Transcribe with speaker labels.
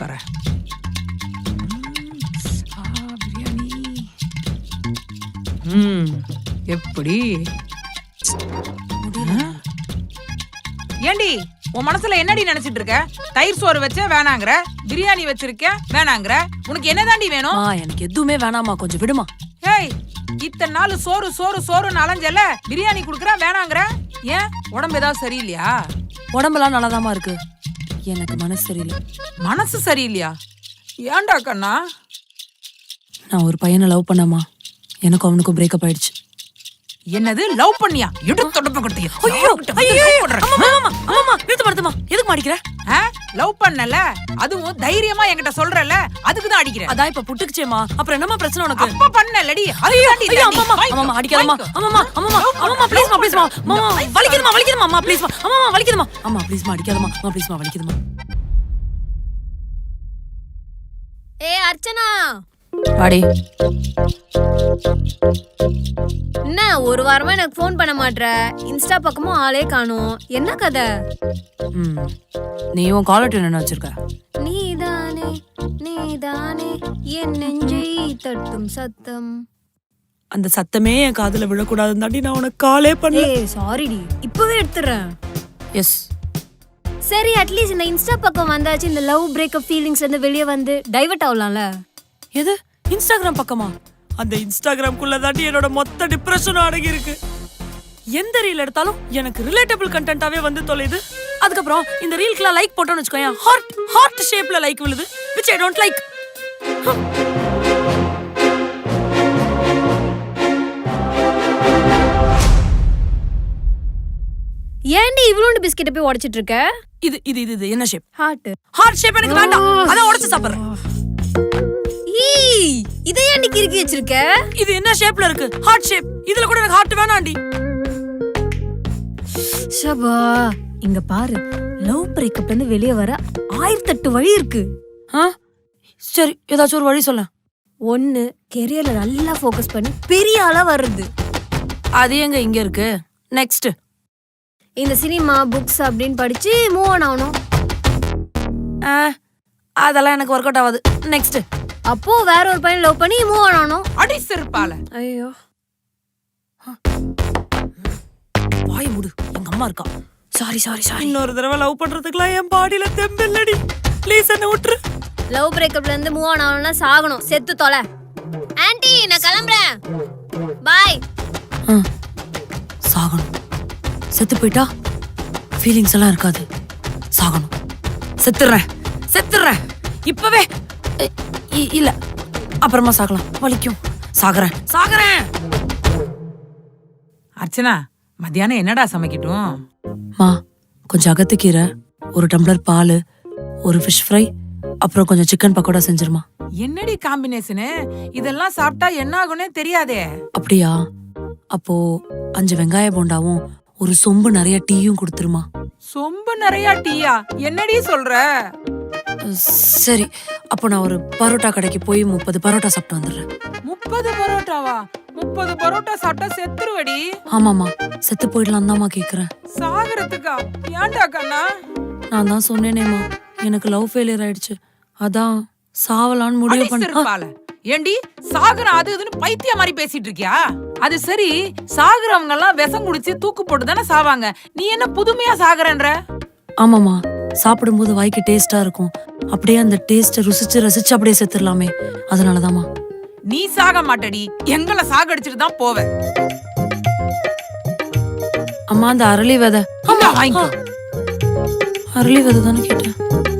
Speaker 1: தரேன். பிரியாணி எப்படி ஏண்டி உன் மனசுல என்னடி நினைச்சிட்டு இருக்க? தயிர் சோறு வச்ச வேணாங்கற, பிரியாணி வச்சிருக்க வேணாங்கற, உனக்கு என்னதாண்டி வேணும்?
Speaker 2: எனக்கு எதுவுமே வேணாமா, கொஞ்சம் விடுமா.
Speaker 1: ஏய், இத்தனை நாள் சோறு சோறு சோறுன்னு அலைஞ்சல, பிரியாணி குடுக்கற வேணாங்கற. ஏன் உடம்பு ஏதாவது சரியில்லையா?
Speaker 2: உடம்பெல்லாம் நல்லாதாமா இருக்கு, எனக்கு மனசு சரியில்லை.
Speaker 1: மனசு சரியில்லையா? ஏன்டா கண்ணா?
Speaker 2: நான் ஒரு பையனை லவ் பண்ணமா, எனக்கு அவனுக்கும் பிரேக்கப் ஆயிடுச்சு.
Speaker 1: என்னது லவ் பண்ணியா? எடுத்து தொடப்ப கொடுத்தியா?
Speaker 2: எதுக்கு மாடிக்கிற?
Speaker 1: லவ் பண்ணல, அதுவும் தைரியமா என்கிட்ட சொல்றல, அதுக்கு தான் அடிக்கிறேன்.
Speaker 2: அதான் இப்ப புட்டுக்குச்சேமா, அப்புறம் என்னமா பிரச்சனை உனக்கு?
Speaker 1: அப்ப பண்ணலடி.
Speaker 2: அம்மா அடிக்காதம்மா. அம்மா ப்ளீஸ்மா ப்ளீஸ்மா. அம்மா வலிக்குதுமா வலிக்குதுமா. அம்மா ப்ளீஸ்மா. அம்மா வலிக்குதுமா. அம்மா ப்ளீஸ்மா அடிக்காதம்மா. அம்மா ப்ளீஸ்மா வலிக்குதுமா.
Speaker 3: அர்ச்சனா
Speaker 2: வாடி.
Speaker 3: என்ன ஒரு வாரமா எனக்கு ஃபோன் பண்ண மாட்ற? இன்ஸ்டா பக்கமும் ஆளே காணோம், என்ன கதை?
Speaker 2: நீ உன் காலர் டியூன் என்ன வச்சிருக்க?
Speaker 3: நீதானே நீதானே என் நெஞ்சை தட்டும் சத்தம்.
Speaker 2: அந்த சத்தமே என் காதுல விழக்கூடாதுன்னு தாண்டி நான் உனக்கு காலே பண்ணல.
Speaker 3: சாரிடி, இப்பவே எடுத்துறேன்.
Speaker 2: எஸ்.
Speaker 3: சரி, அட்லீஸ்ட் இந்த இன்ஸ்டா பக்கம் வந்தாச்சு, இந்த லவ் பிரேக்கப் ஃபீலிங்ஸ் வந்து வெளியே வந்து டைவர்ட் ஆகலாம்ல.
Speaker 2: எது இன்ஸ்டாகிராம் பக்கமா? அந்த இன்ஸ்டாகிராம்குள்ள தாண்டி என்னோட மொத்த டிப்ரெஷனும் அடங்கி இருக்கு. எந்த ரீல் எடுத்தாலும் எனக்கு ரிலேட்டபிள் கண்டென்ட்டாவே வந்து தொலைது. அதுக்கப்புறம் இந்த ரீல்க்குலாம் லைக் போட்டோன்னு வச்சுக்கோயேன், ஹார்ட் ஷேப்ல லைக் விழுது, which I don't like.
Speaker 3: ஏன்டி இவ்ளோண்டு பிஸ்கெட் போய் உடைச்சிட்டு இருக்க?
Speaker 2: இது இது இது என்ன ஷேப்?
Speaker 3: ஹார்ட்
Speaker 2: ஷேப் எனக்கு வேண்டாம், அத உடைச்சு சாப்பிடுறேன்.
Speaker 3: இதை ஏன்டி கிறுக்கி வச்சிருக்க?
Speaker 2: இது என்ன ஷேப்ல இருக்கு? Heart shape. இதுல கூட எனக்கு ஹார்ட் வேணாம்டி.
Speaker 3: ஷபா, இங்க பாரு, லவ் பிரேக்கப்ல இருந்து வெளியே வர 1008 வழி இருக்கு.
Speaker 2: சரி, ஏதாச்சும் ஒரு வழி சொல்ல.
Speaker 3: ஒன்னு, கெரியர்ல நல்லா ஃபோக்கஸ் பண்ணி பெரிய ஆளா வர்றது.
Speaker 2: அது எங்க இங்க இருக்கு? நெக்ஸ்ட்,
Speaker 3: இந்த சினிமா புக்ஸ் அப்படின்னு படிச்சு மூவ் ஆன் ஆகணும்.
Speaker 2: அதெல்லாம் எனக்கு ஒர்க் அவுட் ஆகாது. நெக்ஸ்ட்,
Speaker 3: அப்போ வேற ஒரு பையன் லவ் பண்ணி மூவ் ஆன் ஆகணும்.
Speaker 1: அடி செருப்பால.
Speaker 3: ஐயோ,
Speaker 2: வாய் மூடு, எங்க அம்மா இருக்கா. சாரி. இன்னொரு தடவை லவ் பண்றதுக்குலாம் என் பாடியில தெம்பில்லடி. ப்ளீஸ் என்ன விட்டுரு.
Speaker 3: லவ் பிரேக்கப்ல இருந்து மூவ் ஆன் ஆகணும்னா சாகணும், செத்து தொலை. ஆன்ட்டி, நான் கிளம்புறேன், பாய்.
Speaker 2: சாகணும். செத்து போயிட்டா ஃபீலிங்ஸ் எல்லாம் இருக்காது. சாகணும். செத்துறேன் இப்பவே. இல்ல, அப்புறமா சாகலாம், வலிக்கும். சாகறேன்.
Speaker 1: அர்ச்சனா, மத்தியானம் என்னடா சமைக்கட்டும்?
Speaker 2: மா, கொஞ்சம் அகத்துக்கீரை, ஒரு டம்ளர் பால், ஒரு ஃபிஷ் ஃப்ரை, அப்புறம் கொஞ்சம் சிக்கன் பக்கோடா செஞ்சிருமா.
Speaker 1: என்னடி காம்பினேஷனு? இதெல்லாம் சாப்பிட்டா என்ன ஆகும்னே தெரியாதே.
Speaker 2: அப்படியா? அப்போ 5 வெங்காய போண்டாவும் ஒரு சொம்பு நிறைய டீயும் கொடுத்துருமா.
Speaker 1: சொம்பு நிறைய டீயா? என்னடி சொல்ற?
Speaker 2: சரி, அப்போ நான் ஒரு பரோட்டா கடைக்கு போய் 30 பரோட்டா சாப்பிட்டு வந்துடுறேன்.
Speaker 1: 30 பரோட்டாவா? 30 பரோட்டா சாப்பிட்டா செத்துருவடி.
Speaker 2: ஆமாமா, செத்து போயிடலாம் தான்மா கேக்குறேன்.
Speaker 1: சாகறதுக்கா? ஏன்டா கண்ணா?
Speaker 2: நான் தான் சொன்னேனேமா, எனக்கு லவ் ஃபெயிலியர் ஆயிடுச்சு, அதான் சாவலான்னு முடிவு பண்ண.
Speaker 1: ஏண்டி சாகுற அது இதுன்னு பைத்திய மாதிரி பேசிட்டு இருக்கியா? அது சரி, சாகுறவங்க எல்லாம் விஷம் குடிச்சு தூக்கு போட்டு தானே சாவாங்க. நீ என்ன புதுமையா சாகுறன்ற?
Speaker 2: ஆமாமா, சாப்பிடும்போது வாய்க்கு டேஸ்டா இருக்கும், அப்படியே அந்த டேஸ்ட ரசிச்சு அப்படியே செத்துடலாமே, அதனாலதாமா.
Speaker 1: நீ சாக மாட்டடி, எங்களை சாகடிச்சிட்டு தான் போவ.
Speaker 2: அம்மா, அந்த அரளி விதை.
Speaker 1: வாங்கிக்கோ.
Speaker 2: அரளி விதை தானே கேட்டேன்.